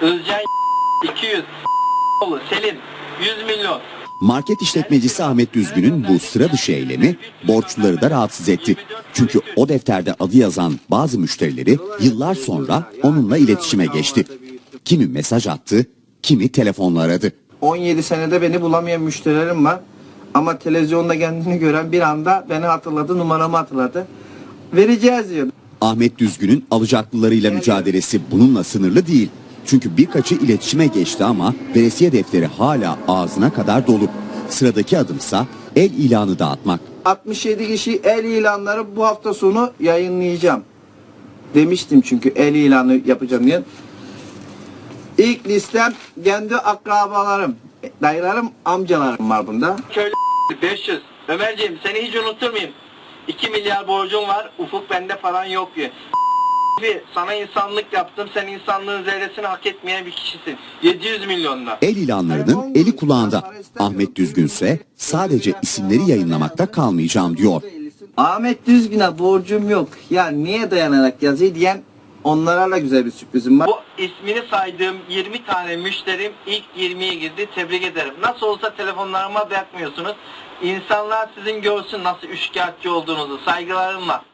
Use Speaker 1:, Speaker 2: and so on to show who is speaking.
Speaker 1: Özcan 200, Selim 100 milyon.
Speaker 2: Market işletmecisi Ahmet Düzgün'ün bu sıra dışı eylemi borçluları da rahatsız etti. Çünkü o defterde adı yazan bazı müşterileri yıllar sonra onunla iletişime geçti. Kimi mesaj attı, kimi telefonla aradı.
Speaker 3: 17 senede beni bulamayan müşterilerim var. Ama televizyonda kendini gören bir anda beni hatırladı, numaramı hatırladı. Vereceğiz diyor.
Speaker 2: Ahmet Düzgün'ün alacaklılarıyla mücadelesi bununla sınırlı değil. Çünkü birkaçı iletişime geçti ama veresiye defteri hala ağzına kadar dolu. Sıradaki adımsa el ilanı dağıtmak.
Speaker 3: 67 kişi el ilanları bu hafta sonu yayınlayacağım. Demiştim çünkü el ilanı yapacağım diye. İlk listem kendi akrabalarım, dayılarım, amcalarım var bunda.
Speaker 1: Köylü 500. Ömerciğim seni hiç unuturmayayım. 2 milyar borcum var. Ufuk bende falan yok diyor. Sana insanlık yaptım. Sen insanlığın zerresini hak etmeyen bir kişisin. 700 milyonda.
Speaker 2: El ilanlarının eli kulağında. Ahmet Düzgünse sadece isimleri yayınlamakta kalmayacağım diyor.
Speaker 3: Ahmet Düzgün'e borcum yok. Ya niye dayanarak yazıyor diyen onlara da güzel bir sürprizim var.
Speaker 1: Bu ismini saydığım 20 tane müşterim ilk 20'ye girdi. Tebrik ederim. Nasıl olsa telefonlarıma bakmıyorsunuz. İnsanlar sizin görsün nasıl üçkağıtçı olduğunuzu. Saygılarımla.